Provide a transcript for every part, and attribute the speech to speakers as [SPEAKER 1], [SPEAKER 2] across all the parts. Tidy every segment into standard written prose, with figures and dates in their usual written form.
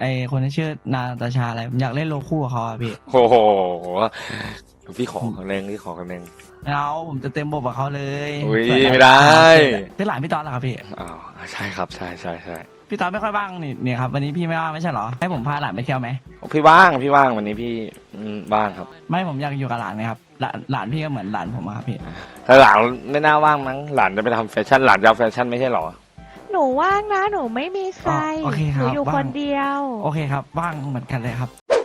[SPEAKER 1] ไอคนที่ชื่อนาตาชาอะไรผมอยากเล่นโลคู่กับเขาอะพี่
[SPEAKER 2] โอ้โหพี่ขอครั้งหนึ่งพี่ขอครั้งหนึ่ง
[SPEAKER 1] เอาผมจะเต็มบทกับเขาเลย
[SPEAKER 2] อุ้ย
[SPEAKER 1] เผื่อ
[SPEAKER 2] ไม่ได้
[SPEAKER 1] เป็นหลานพี่ตอนเหรอครับพี่
[SPEAKER 2] อ้าวใช่ครับใช่ใช่ใช่
[SPEAKER 1] พี่ตอนไม่ค่อยว่างนี่เนี่ยครับวันนี้พี่ไม่ว่างไม่ใช่เหรอให้ผมพาหลานไปเที่ยวไหม
[SPEAKER 2] พี่ว่างพี่ว่างวันนี้พี่ว่างครับ
[SPEAKER 1] ไม่ผมอยากอยู่กับหลานนะครับหลานพี่ก็เหมือนหลานผมอะครับพี่
[SPEAKER 2] แต่หลานไม่น่าว่างมั้งหลานจะไปทำแฟชั่นหลานจะเอาแฟชั่นไม่ใช่หรอ
[SPEAKER 3] หนูว่างนะหนูไม่มีใคร
[SPEAKER 1] โอเคค
[SPEAKER 3] ห
[SPEAKER 1] รั
[SPEAKER 3] นู
[SPEAKER 1] บ
[SPEAKER 3] อยู่
[SPEAKER 1] ว่าง
[SPEAKER 3] คนเดียว
[SPEAKER 1] โอเคครับว่างเหมือนกันเลยครับ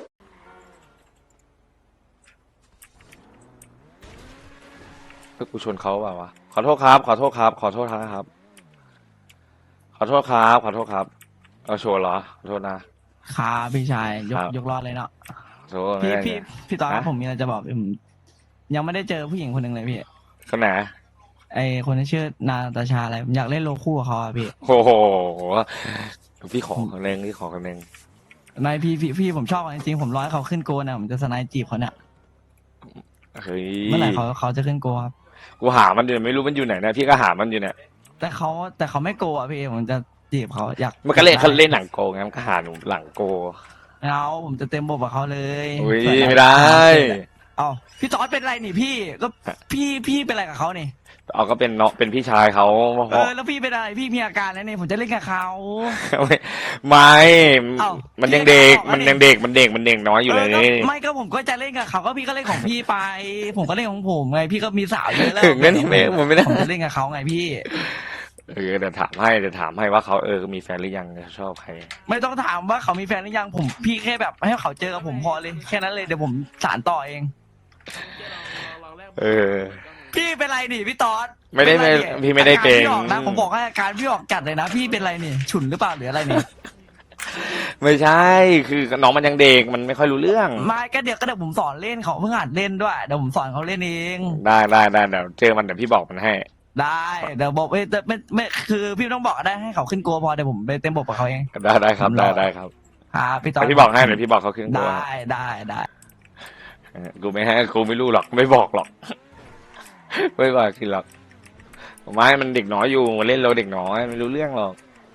[SPEAKER 2] เพื่อกูชนเขาเปล่าวะขอโทษครับขอโทษครับขอโทษนะครับขอโทษครับขอโทษครับเอาโชว์เหรอขอโทษนะครับ
[SPEAKER 1] พี่ชายย
[SPEAKER 2] ค
[SPEAKER 1] ก
[SPEAKER 2] รับ
[SPEAKER 1] ยกรอดเลยเนาะ
[SPEAKER 2] โชว์ไม่
[SPEAKER 1] พี่
[SPEAKER 2] ได้
[SPEAKER 1] พี่ตอนครับ
[SPEAKER 2] ฮะ
[SPEAKER 1] ผมมีอะไรจะบอกผมยังไม่ได้เจอผู้หญิงคนหนึ่งเลยพี่
[SPEAKER 2] คนไหน
[SPEAKER 1] ไอคนที่ชื่อนาตาชาอะไรผมอยากเล่นโลคู่กับเขาอะพี่
[SPEAKER 2] โอ้โหพี่ขอครั้งหนึ่งพี่ขอครั้งหนึ่ง
[SPEAKER 1] นายพี่ผมชอบจริงๆผมร้อยเขาขึ้นโกนอะผมจะสไนด์จีบเขาเนี่ย
[SPEAKER 2] เฮ้ย
[SPEAKER 1] เมื่อไหร่เขาจะขึ้นโกครับ
[SPEAKER 2] กูหามันอยู่ไม่รู้มันอยู่ไหนนะพี่ก็หามันอยู่เนี่ย
[SPEAKER 1] แต่เขาไม่โกอะพี่ผมจะจีบเขาอยาก
[SPEAKER 2] มันก็เล่นเขาเล่นหลังโกไงมันก็หาหนูหลังโก
[SPEAKER 1] เอาผมจะเต็มบทกับเขาเลย
[SPEAKER 2] อุ้ย
[SPEAKER 1] เผื่อ
[SPEAKER 2] ไม่ได้
[SPEAKER 1] เอาพี่ตอดเป็นไรนี่พี่ก็พี่เป็นอะไรกับเขานี่
[SPEAKER 2] เอาก็เป็นเนาะเป็นพี่ชายเขา
[SPEAKER 1] แล้วพี่เป็นอะไรพี่มีอาการแล้วนี่ผมจะเล่นกับเขา
[SPEAKER 2] ไม่
[SPEAKER 1] เอ้า
[SPEAKER 2] มันยังเด็ก
[SPEAKER 1] พี่
[SPEAKER 2] มัน
[SPEAKER 1] ก็
[SPEAKER 2] ยังเด็กมันเด็กมันเด็กน้อยอยู่เลย
[SPEAKER 1] ก็
[SPEAKER 2] นี่
[SPEAKER 1] ไม่ก็ผมก็จะเล่นกับเขาก็พี่ก็เล่นของพี่ไป ผมก็เล่นของผมไงพี่ก็มีสาวเยอะแล้ว
[SPEAKER 2] งั้นไม่ผมไม่ได้
[SPEAKER 1] ผมจะเล่นกับเขาไงพี่
[SPEAKER 2] เดี๋ยวถามให้ว่าเขามีแฟนหรือยังชอบใคร
[SPEAKER 1] ไม่ต้องถามว่าเขามีแฟนหรือยังผมพี่แค่แบบให้เขาเจอกับผมพอเลยแค่นั้นเลยเดี๋ยวผมสานต่อเอง
[SPEAKER 2] เออ
[SPEAKER 1] พี่เป็นไรนี่พี่ตอด
[SPEAKER 2] ไม่ได้
[SPEAKER 1] เป็นรนี่
[SPEAKER 2] พี่ไม่ได้เก่ง
[SPEAKER 1] อาารพี่ออกนะผมบอกให้อาการพี่ออกจัดเลยนะ พี่เป็นไรนี่ฉุนหรือเปล่าหรืออะไรนี่
[SPEAKER 2] ไม่ใช่คือน้องมันยังเด็กมันไม่ค่อยรู้เรื่อง
[SPEAKER 1] ไม่ก็เดี๋ยวผมสอนเล่นเขาเพิ่งหัดเล่นด้วยเดี๋ยวผมสอนเขาเล่นเอง
[SPEAKER 2] ได้เดี๋ยวเจอมันเดี๋ยวพี่บอกมันให้
[SPEAKER 1] ได้เดี๋ยวบอกไม่คือพี่ไม่ต้องบอกก็ได้ให้เขาขึ้นกลัวพอเดี๋ยวผมไปเต็มบทกับเขาเอง
[SPEAKER 2] ได้ครับได้ครับ
[SPEAKER 1] ครับพี่ตอ
[SPEAKER 2] เดี๋
[SPEAKER 1] ด
[SPEAKER 2] ยวพี่บอกให้เดี๋ยวพี่บอกเขาขึ้นตัว
[SPEAKER 1] ได้
[SPEAKER 2] กูไม่ให้กูไม่รู้หรอกไม่บอกหรอก ไม่บอกคือหรอกไม่มันเด็กน้อยอยู่เล่นเราเด็กน้อยไม่รู้เรื่องหรอก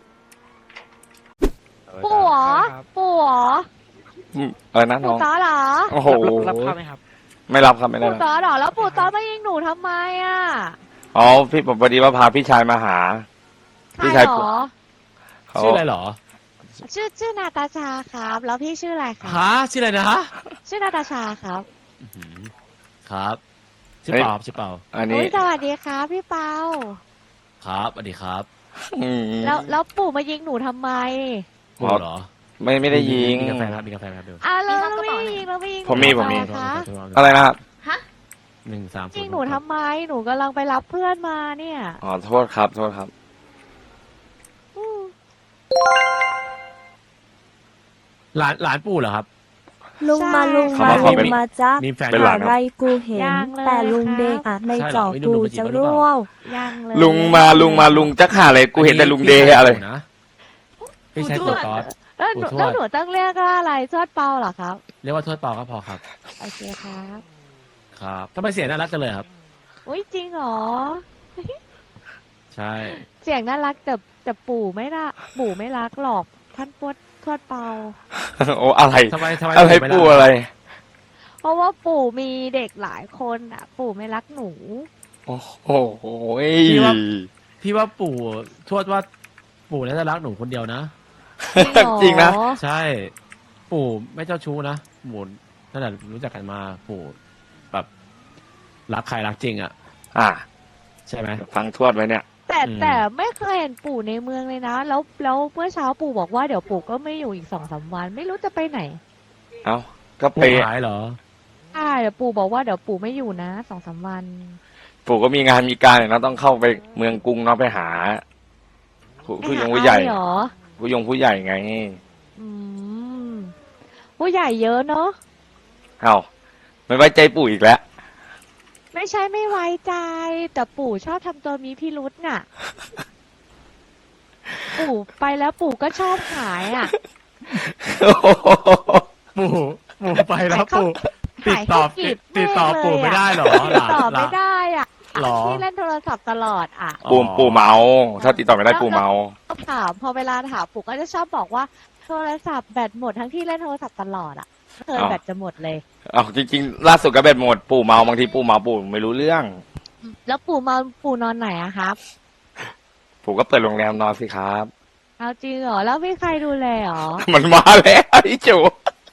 [SPEAKER 3] ปู่เหรอปู่เหรอ
[SPEAKER 2] นะน้
[SPEAKER 3] ปู่
[SPEAKER 2] อง
[SPEAKER 3] ต้อเหรอ
[SPEAKER 2] โอ้โห
[SPEAKER 4] รับข้าวไหมครับ
[SPEAKER 2] ไม่รับครับไม่ได้
[SPEAKER 3] ปู่
[SPEAKER 2] รับ
[SPEAKER 3] ต้อเหรอแล้วปู่ต้อมายิงหนูทำไมอ่ะ
[SPEAKER 2] อ๋อพี่ผมพอดีว่าพาพี่ชายมาหา
[SPEAKER 3] ใคร
[SPEAKER 2] พี่ชาย
[SPEAKER 3] เหรอ
[SPEAKER 2] เขา
[SPEAKER 4] ชื่ออะไรเหรอ
[SPEAKER 3] ชื่อนาตาชาครับ แล้วพี่ชื่ออะไรครับ
[SPEAKER 4] ฮะชื่ออะไรนะฮะ
[SPEAKER 3] ชื่อนาตาชาครับ
[SPEAKER 4] ครับชื่อเปาครับชื่อเปา
[SPEAKER 2] อันนี้
[SPEAKER 3] อุ๊ยสวัสดีครับพี่เปา
[SPEAKER 4] ครับสวัสดีครับ
[SPEAKER 2] อืม
[SPEAKER 3] แล้วปู่มายิงหนูทำไม
[SPEAKER 4] ปู่เหรอ
[SPEAKER 2] ไม่ได้ยิง
[SPEAKER 4] มีกาแฟครับมีกาแฟครับเดี๋ยว
[SPEAKER 3] แล้วไม่ยิงแล้วไม่ยิง
[SPEAKER 2] ผมมี
[SPEAKER 3] หนูทำไคะ
[SPEAKER 2] อะไรนะครับ
[SPEAKER 4] 130
[SPEAKER 3] ยิงหนูทำไมหนูกำลังไปรับเพื่อนมาเนี่ย
[SPEAKER 2] อ๋อโทษครับ
[SPEAKER 3] อืม
[SPEAKER 4] หลานปู่เหรอครับ
[SPEAKER 5] ลุงมา
[SPEAKER 3] ใช่
[SPEAKER 5] ลุง
[SPEAKER 2] เขา
[SPEAKER 5] มา
[SPEAKER 2] บอก
[SPEAKER 5] ลุง
[SPEAKER 2] เป็น
[SPEAKER 5] มาจ้า
[SPEAKER 4] มีแฟน
[SPEAKER 2] เป็นหลาน
[SPEAKER 5] อะไรกูเห็น
[SPEAKER 3] ยังเลย
[SPEAKER 5] แต่ลุงเดง
[SPEAKER 3] ค่ะ
[SPEAKER 5] อ่ะใน
[SPEAKER 4] ใช่เหรอ
[SPEAKER 5] จอ
[SPEAKER 4] ไม่
[SPEAKER 5] กู
[SPEAKER 4] รู้
[SPEAKER 5] จะ
[SPEAKER 4] หรือเปล่า
[SPEAKER 5] ร่วง
[SPEAKER 3] ยังเลย
[SPEAKER 2] ลุงมาจักหาอะไรกูเห็นแต่ลุงเดย์อะไร
[SPEAKER 4] นะพี่ชายปู่ตอด
[SPEAKER 3] แล้วหนู
[SPEAKER 4] ปู่ทวด
[SPEAKER 3] แล้วหนูต้องเรียกว่าอะไรทวดเปาเหรอครับ
[SPEAKER 4] เรียกว่าทวดเปาก็พอครับ
[SPEAKER 3] โอเคครับ
[SPEAKER 4] ครับทำไมเสียงน่ารักจังเลยครับ
[SPEAKER 3] อุ้ยจริงเหรอ
[SPEAKER 4] ใช่
[SPEAKER 3] เสียงน่ารักแต่ปู่ไม่รักหรอกท่านทวดเปา
[SPEAKER 2] โอ้อะไร
[SPEAKER 4] ทำไม
[SPEAKER 2] อะไร
[SPEAKER 4] ไม่รัก
[SPEAKER 2] ปูอะไร
[SPEAKER 3] เพราะว่าปู่มีเด็กหลายคนอ่ะ ปู่ไม่รักหนู
[SPEAKER 2] โอ้โห
[SPEAKER 4] พี่ว่าปู่ทวดว่าปู่น่าจะรักหนูคนเดียวนะ
[SPEAKER 2] จริงนะ
[SPEAKER 4] ใช่ ปู่ไม่เจ้าชู้นะปู่ตั้งแต่รู้จักกันมาปู่แบบรักใครรักจริงอ่ะ
[SPEAKER 2] อ่ะ
[SPEAKER 4] ใช่ไหม
[SPEAKER 2] ฟังทวดไว้เนี่ย
[SPEAKER 3] แต่
[SPEAKER 4] อืม
[SPEAKER 3] แต่ไม่เคยเห็นปู่ในเมืองเลยนะ แล้วเมื่อเช้าปู่บอกว่าเดี๋ยวปู่ก็ไม่อยู่อีก2-3 วัน ไม่รู้จะไปไหน
[SPEAKER 2] เอ้าก็ไป
[SPEAKER 4] ปู่หายเหรอ
[SPEAKER 3] เดี๋ยวปู่บอกว่าเดี๋ยวปู่ไม่อยู่นะ2-3 วัน
[SPEAKER 2] ปู่ก็มีงานมีการเนี่ยเนาะต้องเข้าไปเมืองกรุงเนาะไปหาผู้ยงผู้ใหญ่
[SPEAKER 3] ไปาเหรอ
[SPEAKER 2] ผู้ใหญ่ไง
[SPEAKER 3] อืมผู้ใหญ่เยอะเนาะ
[SPEAKER 2] เอ้าไม่ไว้ใจปู่อีกแล้ว
[SPEAKER 3] ไม่ใช่ไม่ไว้ใจ แต่ปู่ชอบทำตัวมีพิรุษน่ะ ปู่ไปแล้วปู่ก็ชอบหายอ่ะ
[SPEAKER 4] ปู่ไปแล้วปู่ติดต่อ
[SPEAKER 3] หายให้กีบ
[SPEAKER 4] ติดต่อ
[SPEAKER 3] แม่งเลย
[SPEAKER 4] ปู่ไม่ได้เหรอ
[SPEAKER 3] ติดต่อไม่ได้อ่ะ
[SPEAKER 4] หรอ
[SPEAKER 3] ที่เล่นโทรศัพท์ตลอดอ่ะ
[SPEAKER 2] ปู่เมา ถ้าติดต่อไม่ได้ปู่เมา
[SPEAKER 3] ถามพอเวลาถามปู่ก็จะชอบบอกว่าโทรศัพท์แบตหมดทั้งที่เล่นโทรศัพท์ตลอดอ่ะเคยแบตจะหมดเลย
[SPEAKER 2] เอาจริงๆล่าสุดก็เบ็ดหมดปู่เมาบางทีปู่เมาปู่ไม่รู้เรื่อง
[SPEAKER 3] แล้วปู่นอนไหนอะครับ
[SPEAKER 2] ปู่ก็เปิดโรงแรมนอนสิครับ
[SPEAKER 3] เอาจริงเหรอแล้วไม่ใครดูแลเหรอ
[SPEAKER 2] มันมาแล้วไอ้จู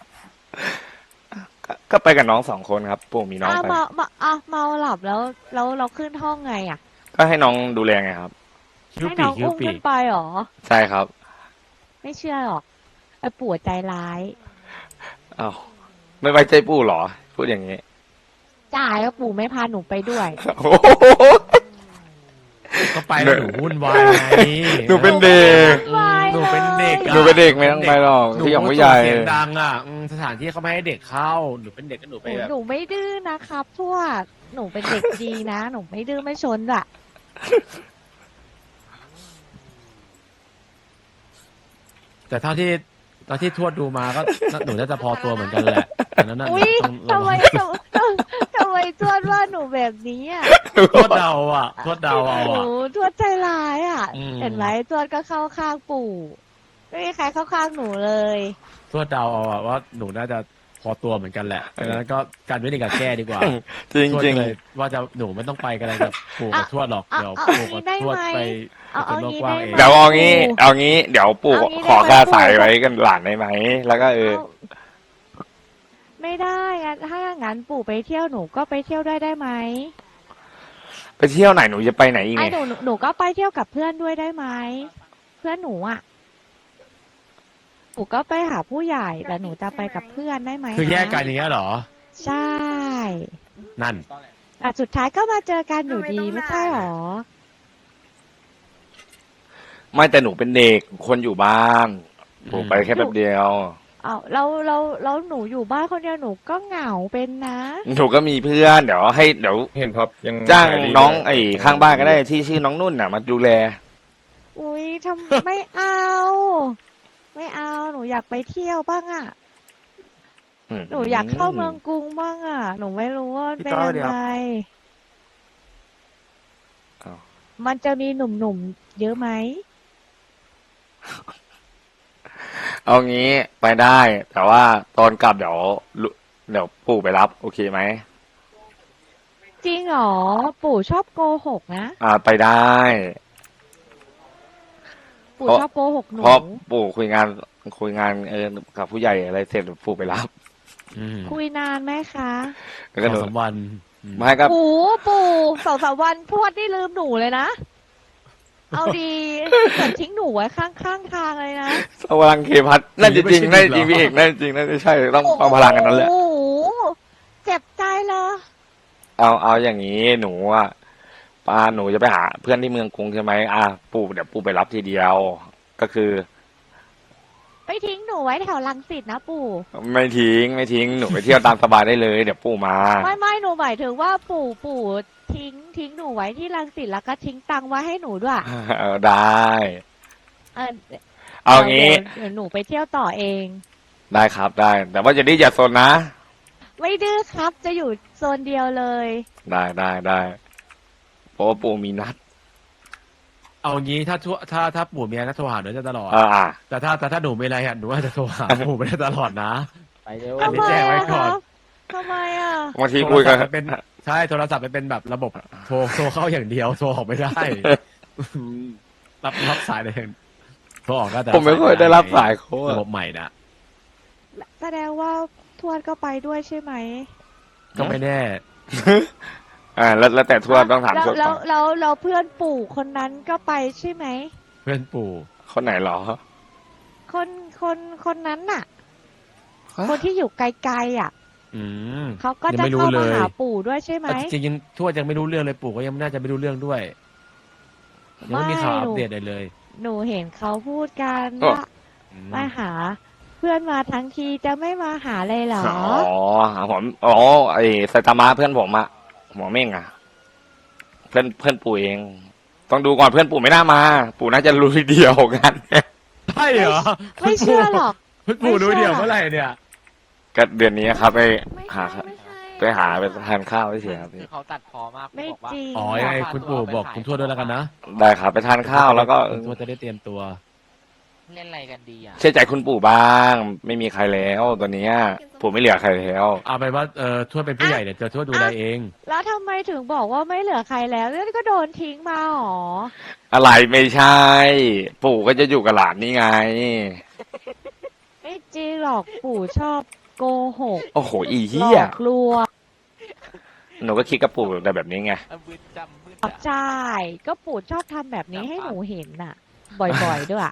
[SPEAKER 2] ก็ไปกับน้อง2 คนครับ ปู่มีน้อง
[SPEAKER 3] อ้าว
[SPEAKER 2] ไป
[SPEAKER 3] เมาหลับแล้วเราขึ้นห้องไงอะ
[SPEAKER 2] ก็ให้น้องดูแลไงครับ
[SPEAKER 4] คิ้ว
[SPEAKER 3] ให้
[SPEAKER 4] ปี
[SPEAKER 3] น้อง
[SPEAKER 4] คิ้ว
[SPEAKER 3] อุ้ม
[SPEAKER 4] ปี
[SPEAKER 3] ขึ้นไปเหรอ
[SPEAKER 2] ใช่ครับ
[SPEAKER 3] ไม่เชื่อหรอกไอ้ปู่ใจร้าย
[SPEAKER 2] อ้าวไม่ไว้ใจปู่เหรอ พูดอย่างนี้
[SPEAKER 3] จ่ายก็ปู่ไม่พาหนูไปด้วย
[SPEAKER 2] โอ้โห
[SPEAKER 4] ก็ไปแล้วหนูวุ่นวายไง
[SPEAKER 2] หนูเป็นเด็ก
[SPEAKER 4] หนูเป็นเด็กอะ
[SPEAKER 2] หนูเป็นเด็กไม่ต้องไปหรอก
[SPEAKER 4] หนู
[SPEAKER 2] ที่อย่าง
[SPEAKER 4] ก็
[SPEAKER 2] ผู้
[SPEAKER 4] ส่
[SPEAKER 2] ใหญ่
[SPEAKER 4] เสียงดังอ่ะสถานที่เขาไม่ให้เด็กเข้าหนูเป็นเด็กก็หนูไปแบบ
[SPEAKER 3] หนูไม่ดื้อนะครับทวดหนูเป็นเด็กดีนะ หนูไม่ดื้อไม่ชนอะ
[SPEAKER 4] แต่เท่าที่ตอนที่ทวดดูมาก็หนูน่าจะพอตัวเหมือนกันแหละแต่นั้นน่ะ
[SPEAKER 3] อุ้ย
[SPEAKER 4] ต้อง
[SPEAKER 3] ทำไมทำไมทวดว่าหนูแบบนี้อะ
[SPEAKER 4] ทวดเดาอ่ะทวดเดาเอา
[SPEAKER 3] หนู
[SPEAKER 4] อ่ะ
[SPEAKER 3] ทวดใจร้ายอะ
[SPEAKER 4] อืม
[SPEAKER 3] เห็นไหมทวดก็เข้าข้างปู่ไม่มีใครเข้าข้างหนูเลย
[SPEAKER 4] ทวดเดาเอาอ่ะว่าหนูน่าจะพอตัวเหมือนกันแหละดังนั้นก็การวินิจกับแก้ดีกว่า
[SPEAKER 2] จริง
[SPEAKER 4] ทวด
[SPEAKER 2] จริง
[SPEAKER 4] เลยว่าจะหนูไม่ต้องไปกันอะไรกับปู่กับทวดหรอกเดี๋ยวปู่กับทวดไป
[SPEAKER 3] เอา
[SPEAKER 4] เป็นโลก
[SPEAKER 3] งี้
[SPEAKER 4] กว้าง
[SPEAKER 3] ได้
[SPEAKER 4] เอง
[SPEAKER 3] ไหม
[SPEAKER 2] เดี๋ยวเอางี้ เดี๋ยวปู่
[SPEAKER 3] เอางี้
[SPEAKER 2] ขอ
[SPEAKER 3] ได้ไหม
[SPEAKER 2] ค่าสาย
[SPEAKER 3] ปู่
[SPEAKER 2] ไว้กันหลานได้ไหม แล้วก็
[SPEAKER 3] ไม่ได้งั้นถ้าอย่างนั้นปู่ไปเที่ยวหนูก็ไปเที่ยวด้วยได้ไหม
[SPEAKER 2] ไปเที่ยวไหนหนูจะไปไหนอีก
[SPEAKER 3] ไอ้
[SPEAKER 2] ไง
[SPEAKER 3] หนูก็ไปเที่ยวกับเพื่อนด้วยได้ไหมเพื่อนหนูอ่ะหนูก็ไปหาผู้ใหญ่แต่หนูจะไปกับเพื่อนได้ไหม
[SPEAKER 4] คือแยกกันอย่างเงี้ยเหรอ
[SPEAKER 3] ใช่
[SPEAKER 4] นั่น
[SPEAKER 3] แต่สุดท้ายก็มาเจอกันอยู่ดีไม่ใช่หรอ
[SPEAKER 2] ไม่แต่หนูเป็นเด็กคนอยู่บ้านปู่ไปแค่แป๊บเดียว
[SPEAKER 3] เอาเราหนูอยู่บ้านคนเดียวหนูก็เหงาเป็นนะ
[SPEAKER 2] หนูก็มีเพื่อนเดี๋ยว
[SPEAKER 6] เห็นครับยัง
[SPEAKER 2] จ้าง
[SPEAKER 6] ขยดี
[SPEAKER 2] น้อง
[SPEAKER 6] เลย
[SPEAKER 2] ไอ้ข้างบ้านก็ได้ที่ชื่อน้องนุ่นน่ะมาดูแล
[SPEAKER 3] อุ้ยไม่เอา ไม่เอาหนูอยากไปเที่ยวบ้างอ่ะ หนูอยากเข้าเมืองกรุงบ้างอ่ะ หนูไม่รู้ว่าเป็นยังไง
[SPEAKER 2] อ้าว
[SPEAKER 3] มันจะมีหนุ่มๆเยอะไหม
[SPEAKER 2] เอางี้ไปได้ แต่ว่าตอนกลับเดี๋ยวปู่ไปรับ โอเคไหม
[SPEAKER 3] จริงเหรอ ปู่ชอบโกหกนะ
[SPEAKER 2] ไปได้
[SPEAKER 3] ปู่ชอบโกหกหนู
[SPEAKER 2] เพราะปู่คุยงานกับผู้ใหญ่อะไรเสร็จปู่ไปรับ
[SPEAKER 4] อืม
[SPEAKER 3] คุยนานไหมคะ
[SPEAKER 2] แล้วก็หนู
[SPEAKER 4] 2-3 วันอืม
[SPEAKER 2] ไม่ก็
[SPEAKER 3] ปู่2-3 วันทวดนี่ลืมหนูเลยนะ เอาดีเหมือนทิ้งหนูไว้ข้างทางเลยนะ
[SPEAKER 2] พลังเคพัทนั่นจริงๆนั่นจริงพี่เอกนั่นจริงนั่นใช่ต้องเอาพลังกันนั้นแหละ
[SPEAKER 3] โอ้โหเจ็บใจเลย
[SPEAKER 2] เอาอย่างนี้หนูหนูจะไปหาเพื่อนที่เมืองกรุงใช่ไหมปู่เดี๋ยวปู่ไปรับทีเดียว ก็คือ
[SPEAKER 3] ไปทิ้งหนูไว้แถวรังสิตนะปู่
[SPEAKER 2] ไม่ทิ้งหนูไปเที่ยวตามสบายได้เลยเดี๋ยวปู่มา
[SPEAKER 3] ไม่หนูหมายถึงว่าปู่ทิ้งหนูไว้ที่รังสิตแล้วก็ทิ้งตังค์ไว้ให้หนูด้วย
[SPEAKER 2] ได้
[SPEAKER 3] เออ
[SPEAKER 2] เอางี้
[SPEAKER 3] เดี๋ยวหนูไปเที่ยวต่อเอง
[SPEAKER 2] ได้ครับได้ แต่ว่าจะดื้ออย่าซนนะ
[SPEAKER 3] ไม่ดื้อครับจะอยู่โซนเดียวเลย
[SPEAKER 2] ได้เพราะว่าปู่มีนัด
[SPEAKER 4] เอางี้ถ้าปู่มีอะไรก็โทรหาหนูได้ตลอด แต่ถ้าหนูมีอะไรอ่ะหนูอาจจะโทรหาปู่ไม่ได้ตลอดนะ
[SPEAKER 6] ไปเร็ว
[SPEAKER 4] อันนี้แจ้งไว้ก่อน
[SPEAKER 3] ทำไมอ่ะ
[SPEAKER 2] บางทีคุยกัน
[SPEAKER 4] โทรศัพท์มันเป็นใช่โทรศัพท์มันเป็นแบบระบบโทรเข้าอย่างเดียวโทรออกไม่ได้ รับสายได้อย่างโทรออกก็แต่
[SPEAKER 2] ผมไม่เคยได้รับสายเขา
[SPEAKER 4] ระบบใหม่นะ
[SPEAKER 3] แสดงว่าทวดก็ไปด้วยใช่ไหม
[SPEAKER 4] ก็ไม่แน่
[SPEAKER 2] แล้วแต่ทวดต้องถาม
[SPEAKER 3] แล้ว
[SPEAKER 2] ทวด
[SPEAKER 3] แล้
[SPEAKER 2] ก่
[SPEAKER 3] ว
[SPEAKER 2] อน
[SPEAKER 3] แล้วเพื่อนปู่คนนั้นก็ไปใช่ไหม
[SPEAKER 4] เพื่อนปู่
[SPEAKER 2] คนไหนเหรอ
[SPEAKER 3] คนนั้นน่ะ คนที่อยู่ไกลๆอ่ะ
[SPEAKER 4] อืม
[SPEAKER 3] เขาก็
[SPEAKER 4] ยัง
[SPEAKER 3] จะ
[SPEAKER 4] ไม่รู้
[SPEAKER 3] เข้า
[SPEAKER 4] เล
[SPEAKER 3] มาย หาปู่ด้วยใช่ไหม
[SPEAKER 4] จริงๆทวดยังไม่รู้เรื่องเลยปู่ก็ยังน่าจะไม่รู้เรื่องด้วยยังไม่มีข่าวอัปเดตอะไรเลย
[SPEAKER 3] หนูเห็นเขาพูดกัน
[SPEAKER 2] อ๋อ
[SPEAKER 3] ว่ามาหา เพื่อนมาทั้งทีจะไม่มาหาเลยเหรอ
[SPEAKER 2] ไอ้ไซตามะเพื่อนผมอะหมอเม่งอะเพื่อนปู่เอง ต้องดูก่อนเพื่อนปู่ไม่น่ามา ปู่น่าจะรู้ทีเดียวกัน
[SPEAKER 4] ใช่เหรอ
[SPEAKER 3] ไม่เชื่อหรอก
[SPEAKER 4] คุณปู่รู้เดียวเมื่อไหร่เนี่ย
[SPEAKER 2] ก็เดือนนี้ครับไป
[SPEAKER 5] ไม่
[SPEAKER 2] หา
[SPEAKER 5] ใช่ไม่ใช่
[SPEAKER 2] ไปหาไปทานข้าวเฉยๆครับพี่
[SPEAKER 7] เขาตัดพอมาก
[SPEAKER 3] ไม่
[SPEAKER 7] บอกว่า
[SPEAKER 3] จริง
[SPEAKER 4] อ๋อยังไงคุณปู่บอกคุณทวดด้วยแล้วกันนะ
[SPEAKER 2] ได้ครับไปทานข้าวแล้วก็
[SPEAKER 4] คุณทวดจะได้เตรียมตัว
[SPEAKER 6] เล่นอะไรกันดีอ่ะ
[SPEAKER 2] เชื่อใจคุณปู่บ้าง ไม่มีใครแล้วตอนเนี้ยปู่ไม่เหลือใครแล้ว
[SPEAKER 4] เอาไปนว่าทวดเป็นผู้ใหญ่เดี๋ยวทวดดูแลเอง
[SPEAKER 3] แล้วทำไมถึงบอกว่าไม่เหลือใครแล้วแล้วก็โดนทิ้งมาหรอ
[SPEAKER 2] อะไรไม่ใช่ ปู่ก็จะอยู่กับหลานนี่ไง
[SPEAKER 3] ไม่จริงหรอกปู่ชอบโกหก
[SPEAKER 2] โอ้โหอี
[SPEAKER 3] หล
[SPEAKER 2] เหี้ย
[SPEAKER 3] อกลวง
[SPEAKER 2] หนูก็คิดกับปู่แต่แบบนี้ไง
[SPEAKER 3] ใช่ก็ปู่ชอบทำแบบนี้ให้หนูเห็นน่ะ บ่อยๆด้วย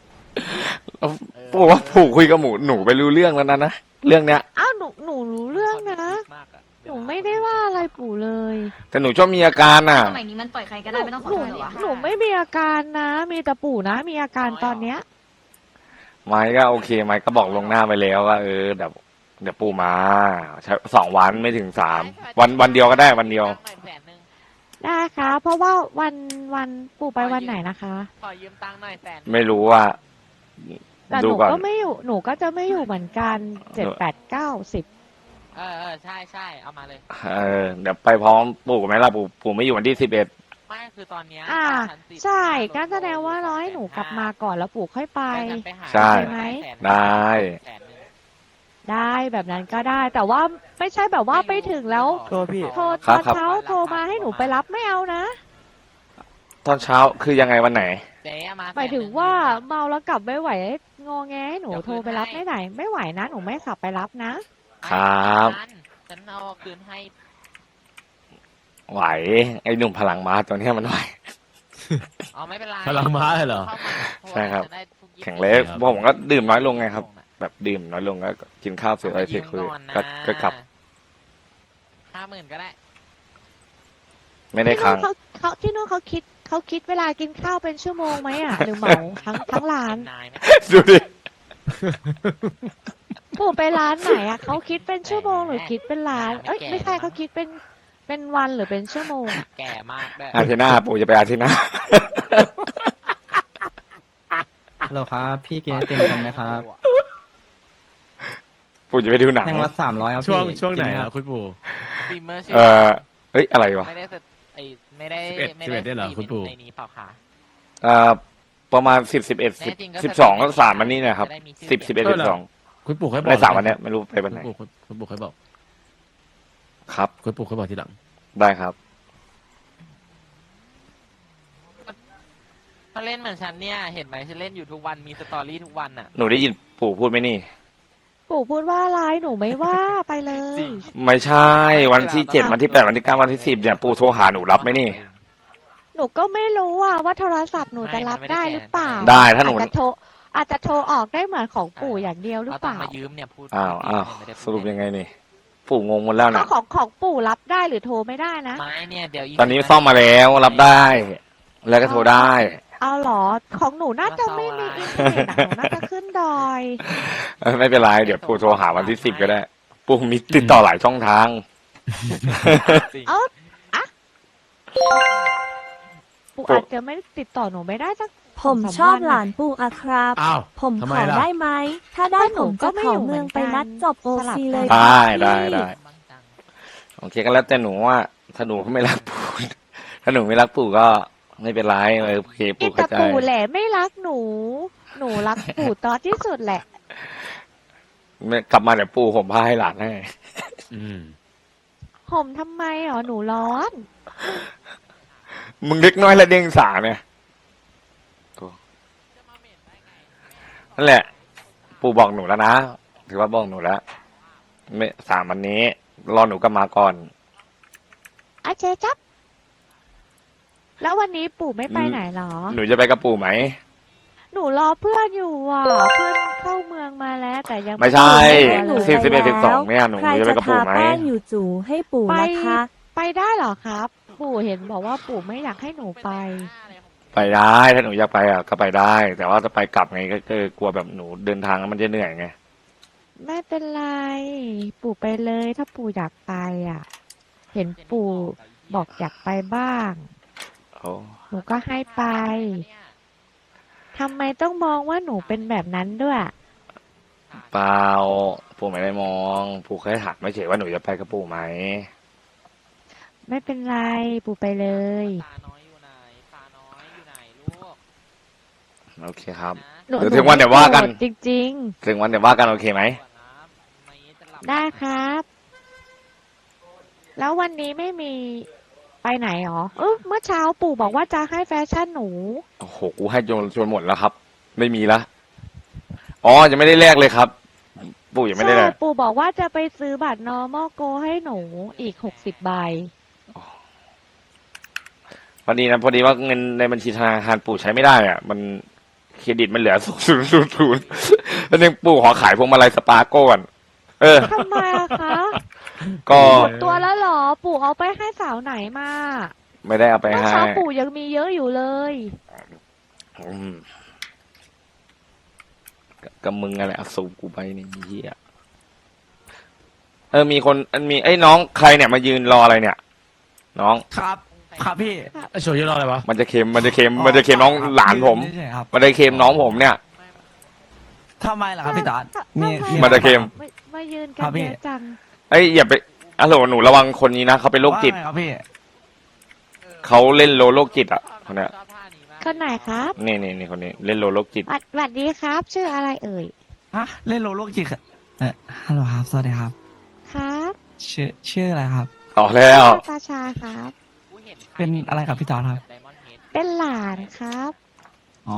[SPEAKER 2] ปู่ว่าปู่คุยกับหนูไปรู้เรื่องแล้วนะเรื่องเนี้ย
[SPEAKER 3] อ้าวหนูรู้เรื่องนะหนูไม่ได้ว่าอะไรปู่เลย
[SPEAKER 2] แต่หนูชอบมีอาการอ่ะ
[SPEAKER 7] สมัยนี้มันปล่อยใครก็ได้ไม่ต้องขอ
[SPEAKER 3] หนู
[SPEAKER 7] โทษหรอวะ
[SPEAKER 3] หนูไม่มีอาการนะ มีแต่ปู่นะ มีอาการตอนเนี้ย
[SPEAKER 2] ไม้ก็โอเคไม้ก็บอกลวงหน้าไปแล้วว่าเดี๋ยวปู่มาใช้2 วันไม่ถึง3 วันเดียวก็ได้วันเดียว
[SPEAKER 3] ได้ค่ะ เพราะว่าวันปู่ไปวันไหนนะคะ
[SPEAKER 6] ขอยืมตังค์หน่อย100,000
[SPEAKER 2] ไม่รู้ว่า
[SPEAKER 3] แต่ห
[SPEAKER 2] ดู
[SPEAKER 3] นู
[SPEAKER 2] ก่อน
[SPEAKER 3] ก็ไม่อยู่ หนูก็จะไม่อยู่เหมือนกัน7 8 9 10
[SPEAKER 6] ใช่เอามาเลย
[SPEAKER 2] เดี๋ยวไปพร้อมปู่ไหมล่ะปู่ไม่อยู่วันที่11
[SPEAKER 6] ไม่คือตอนเนี้ย
[SPEAKER 3] อ่า
[SPEAKER 6] 3,010
[SPEAKER 3] ใช่ก็แสดงว่าร้อยหนูกลับมาก่อนแล้วปู่ค่อยไป
[SPEAKER 6] ไปหา
[SPEAKER 2] ใช่
[SPEAKER 3] ไหม
[SPEAKER 2] ได้
[SPEAKER 3] ได้แบบนั้นก็ได้ แต่ว่าไม่ใช่แบบว่าไปถึงแล้ว
[SPEAKER 1] โทษพี่
[SPEAKER 3] โทร
[SPEAKER 2] ครั
[SPEAKER 3] ต
[SPEAKER 2] บ
[SPEAKER 3] อนเช้าโทรมาให้หนูไปรับไม่เอานะ
[SPEAKER 2] ตอนเช้าคือยังไงวันไหน
[SPEAKER 6] เจ๊เอามา
[SPEAKER 3] หมายถึงว่าเมาแล้วกลับไม่ไหวงอแงให้หนูโทรไปรับไม่ไหน ไม่ไหวนะ หนูไม่ขับไปรับนะ
[SPEAKER 2] ครับ
[SPEAKER 6] ฉันเอาคืนให้
[SPEAKER 2] ไหวไอ้หนุ่มพลังม้าตัวเนี้ยมันไหว
[SPEAKER 6] อ๋อไม่เป็นไร
[SPEAKER 4] พลังม้าเหรอ
[SPEAKER 6] ข้ามา
[SPEAKER 2] ใช่ครับ
[SPEAKER 6] จะได้ทุกยี่สิบ
[SPEAKER 2] แข็งเล็กเพราะผมก็ดื่มน้อยลงไงครับ แบบดื่มน้อยลงก็กินข้าวเสร็จอะไรเสร็จคุยก็กลับ
[SPEAKER 6] 50,000ก็ได้
[SPEAKER 2] ไม่ได้
[SPEAKER 3] ที่
[SPEAKER 2] ค้าง
[SPEAKER 3] นู่นเขาที่นู่นเขาคิดเวลากินข้าวเป็นชั่วโมงไหมอ่ะ หรือเหมาทั้งร้าน
[SPEAKER 6] นายไหม
[SPEAKER 2] ดูดิ
[SPEAKER 3] ปู่ไปร้านไหนอ่ะเขาคิดเป็นชั่วโมงหรือคิดเป็นร้าน เอ้ยไม่ใช่เขาคิดเป็นวันหรือเป็นชั่วโมงอะ
[SPEAKER 6] แก่มากด้วย
[SPEAKER 2] อาทิตย์หน้าปู่จะไปอาทิตย์หน้า
[SPEAKER 8] ฮัลโหลครับ พี่กินไอติมกันไหมครับ
[SPEAKER 2] ปู่จะไปดูหนัง
[SPEAKER 8] แท่งละ300ครับ
[SPEAKER 4] ช่วง
[SPEAKER 8] พี่
[SPEAKER 4] ช่วงไหน
[SPEAKER 8] กิม
[SPEAKER 4] อ่ะคุณปู่
[SPEAKER 6] ฟิล์มเมอร์ชื่
[SPEAKER 2] เอ้ยอะไรวะ
[SPEAKER 6] ไม่ได้ไอไม่ได้
[SPEAKER 4] 11
[SPEAKER 6] ไม่ได้
[SPEAKER 4] ได้เหรอคุณปู่
[SPEAKER 6] ในนี้เปล่าคะ
[SPEAKER 2] ประมาณ10 11
[SPEAKER 6] แน่จริงก็
[SPEAKER 2] 10 12ก็3วันนี้นะครับ
[SPEAKER 6] จะได้มีชื่อ
[SPEAKER 2] 10 11 12
[SPEAKER 4] คุณปู่เคยบอก
[SPEAKER 2] ใน3วันเนี้ยไม่รู้ไปวันไหน
[SPEAKER 4] คุณปู่เคยบอก
[SPEAKER 2] ครับ
[SPEAKER 4] คุณปู่เคยบอกทีหลัง
[SPEAKER 2] ได้ครับ
[SPEAKER 6] มาเล่นเหมือนฉันเนี่ยเห็นไหมฉันเล่นอยู่ทุกวันมีสตอรี่ทุกวันอ่ะ
[SPEAKER 2] หนูได้ยินปู่พูดไหมนี่
[SPEAKER 3] ปู่พูดว่าอะไรหนูไม่ว่าไปเลย
[SPEAKER 2] ไม่ใช่วันที่7วันที่8วันที่9วันที่10เนี่ยปู่โทรหาหนูรับไหมนี่
[SPEAKER 3] หนูก็ไม่รู้ว่าโทรศัพท์หนูจะรับได้หรือเปล่า
[SPEAKER 2] ได้ถ้าหนู
[SPEAKER 3] อาจจะโทรออกได้เหมือนของปู่อย่างเดียวหรือ
[SPEAKER 6] เอา
[SPEAKER 3] เป
[SPEAKER 6] ตัง
[SPEAKER 3] ล่า
[SPEAKER 6] ค์มายืมเนี่ยพูด
[SPEAKER 2] อ้าว
[SPEAKER 6] ไม่ได้พูด
[SPEAKER 2] สรุปยังไงนี่ ปู่งงหมดแล้ว
[SPEAKER 3] ก็
[SPEAKER 2] นะ
[SPEAKER 3] ของปู่รับได้หรือโทรไม่ได้นะ
[SPEAKER 6] ไม่เนี่ยเดี๋ยว
[SPEAKER 2] ตอนนี้ซ่อมมาแล้วรับได้ แล้วก็โทรได้
[SPEAKER 3] เอาเหรอของหนูน่าจะไม่มีอินเทอร์เน็ตอะหนูน่าจะขึ้นดอย
[SPEAKER 2] ไม่เป็นไรเดี๋ยวปู่โทรหาวันที่10ก็ได้ ปู่มีติดต่อหลายช่องทาง
[SPEAKER 3] เอาอะปู่อาจจะไม่ติดต่อหนูไม่ได้สัก
[SPEAKER 5] ผมชอบหลานปู่อะครับ
[SPEAKER 4] อ้าว
[SPEAKER 5] ผม
[SPEAKER 4] ทำ
[SPEAKER 5] ข
[SPEAKER 4] ไม
[SPEAKER 5] อ
[SPEAKER 4] ล่ะ
[SPEAKER 5] ได้ไหม ถ้าได้
[SPEAKER 3] ก็หนู
[SPEAKER 5] ผมจะ
[SPEAKER 3] ก็ไม่
[SPEAKER 5] ข
[SPEAKER 3] อยู่
[SPEAKER 5] อเมือง
[SPEAKER 3] เหมื
[SPEAKER 5] ไป
[SPEAKER 3] อนกัน
[SPEAKER 5] นัดจบโอ
[SPEAKER 3] สลับ
[SPEAKER 5] ซี
[SPEAKER 3] กัน
[SPEAKER 5] เลย
[SPEAKER 2] ได้
[SPEAKER 5] ครับ
[SPEAKER 2] ได้
[SPEAKER 5] พี่
[SPEAKER 2] ได้ โอเคก็แล้วแต่หนูว่า ถ้าหนูไม่รักปู่ ถ้าหนูไม่รักปู่ก็ไม่เป็นไรโอเค
[SPEAKER 3] นี่
[SPEAKER 2] ปู่
[SPEAKER 3] แต่
[SPEAKER 2] เข้าใจ
[SPEAKER 3] ปู่แหละไม่รักหนู หนูรักปู่ตอนที่สุดแหละ
[SPEAKER 2] กลับมาเดี๋ยวปู่ผมพาให้หลานให้
[SPEAKER 4] อืม
[SPEAKER 3] ห่มทำไมหรอหนูร้อน
[SPEAKER 2] มึงเล็กน้อยและเด้งสาเนี่ยนั่นแหละ ปู่บอกหนูแล้วนะ ถือว่าบอกหนูแล้วไม่3วันนี้ รอหนูกลับมาก่อน
[SPEAKER 3] อาเจจับ แล้ววันนี้ปู่ไม่ไปไหนหรอ
[SPEAKER 2] หนูจะไปกับปู่ไหม
[SPEAKER 3] หนูรอเพื่อนอยู่เพื่อนเข้าเมืองมาแล้ว แต่ยัง
[SPEAKER 2] ไม่ใช่
[SPEAKER 5] หนู
[SPEAKER 2] 10
[SPEAKER 5] ไป
[SPEAKER 2] 11
[SPEAKER 5] แล้ว
[SPEAKER 2] 12เนี่ยหนู
[SPEAKER 5] ใคร
[SPEAKER 2] จะไป
[SPEAKER 5] จะ
[SPEAKER 2] กับปู่
[SPEAKER 5] ทา
[SPEAKER 2] ไหม
[SPEAKER 5] แป้งอยู่จู่ให้ปู่นะคะ
[SPEAKER 3] ไปได้เหรอครับ ปู่เห็นบอกว่าปู่ไม่อยากให้หนูไป
[SPEAKER 2] ไปได้ถ้าหนูอยากไปก็ไปได้ แต่ว่าจะไปกลับไงก็กลัวแบบหนูเดินทางแล้วมันจะเหนื่อยไง
[SPEAKER 3] ไม่เป็นไร ปู่ไปเลยถ้าปู่อยากไปเห็นปู่บอกอยากไปบ้าง
[SPEAKER 2] โอ้
[SPEAKER 3] หนูก็ให้ไปทำไมต้องมองว่าหนูเป็นแบบนั้นด้วย
[SPEAKER 2] เปล่าปู่ไม่ได้มองปู่แค่ถามไม่เฉยว่าหนูจะไปกับปู่ไหม
[SPEAKER 3] ไม่เป็นไร ปู่ไปเลย
[SPEAKER 6] ตาน้อยอยู่ไหนตาน้อยอยู่ไหนลูก
[SPEAKER 2] โอเคครับ
[SPEAKER 3] หนู
[SPEAKER 2] เดี๋ยวถึงวันเดี๋ยวว่ากัน
[SPEAKER 3] หโรธจริง
[SPEAKER 2] ถึงวันเดี๋ยวว่ากันโอเคไหม
[SPEAKER 3] ๆ ได้ครับ แล้ววันนี้ไม่มีไปไหนหรอเมื่อเช้าปู่บอกว่าจะให้แฟชั่นหนู
[SPEAKER 2] โอ้โหกูให้จนหมดแล้วครับ ไม่มีละอ๋อยังไม่ได้แลกเลยครับ ปู่ยังไม่ได้แล
[SPEAKER 3] ใช่
[SPEAKER 2] ก
[SPEAKER 3] ปู่บอกว่าจะไปซื้อบัตร normal go ให้หนูอีก60 ใบ
[SPEAKER 2] พอดีนะพอดีว่าเงินในบัญชีธนาคารปู่ใช้ไม่ได้อ่ะ มันเครดิตมันเหลือ0 แล้วนึงปู่ขอขายพวงมาลัยสปาร์โก้ก่อน
[SPEAKER 3] ทำไมอะคะ
[SPEAKER 2] ก็
[SPEAKER 3] หมดตัวแล้วเหรอ ปู่เอาไปให้สาวไหนมา
[SPEAKER 2] ไม่ได้เอาไป
[SPEAKER 3] เมื่อ
[SPEAKER 2] ให้
[SPEAKER 3] เช้าปู่ยังมีเยอะอยู่เลย
[SPEAKER 2] อืมกับมึงอะไรเอาสูบกูไปนี่เหี้ยมีคนมีไอ้น้องใครเนี่ยมายืนรออะไรเนี่ย น้อง
[SPEAKER 1] ครับครับพี่
[SPEAKER 4] ไอโชว์เยอะรออะไรวะ
[SPEAKER 2] มันจะเค็มน้องหลานผม
[SPEAKER 1] ใช่ครับ
[SPEAKER 2] มันจะเค็มน้องผมเนี่ย
[SPEAKER 1] ทำไมล่ะครับพี่ตอด
[SPEAKER 3] ทำไม
[SPEAKER 2] มันจะเค็ม
[SPEAKER 3] มายืนกั
[SPEAKER 1] ครั
[SPEAKER 3] น
[SPEAKER 1] บพี่
[SPEAKER 3] เยอะจัง
[SPEAKER 2] เอ้ยอย่าไปฮัลโหลหนูระวังคนนี้นะเขาเป็นโรคจิต
[SPEAKER 1] ว่าไงครับพี่
[SPEAKER 2] เขาเล่นโรคจิตอ่ะคนเนี้ย
[SPEAKER 6] ชอบท่านี้มาก
[SPEAKER 3] คนไหนครับ
[SPEAKER 2] นี่คนนี้เล่นโรคจิต
[SPEAKER 3] สวัสดีครับ ชื่ออะไรเอ่ย
[SPEAKER 1] ฮะเล่นโลโลกจิตฮัลโหลครับสวัสดีครับ
[SPEAKER 3] ครับ
[SPEAKER 1] ชื่ออะไรครับ
[SPEAKER 2] ออกแล้ว
[SPEAKER 3] ตาชาครับ
[SPEAKER 6] กูห็ใค
[SPEAKER 1] เป็นอะไรกับพี่ตอดครับ
[SPEAKER 6] Diamond Head
[SPEAKER 3] เป็นหลานครับ
[SPEAKER 1] อ๋อ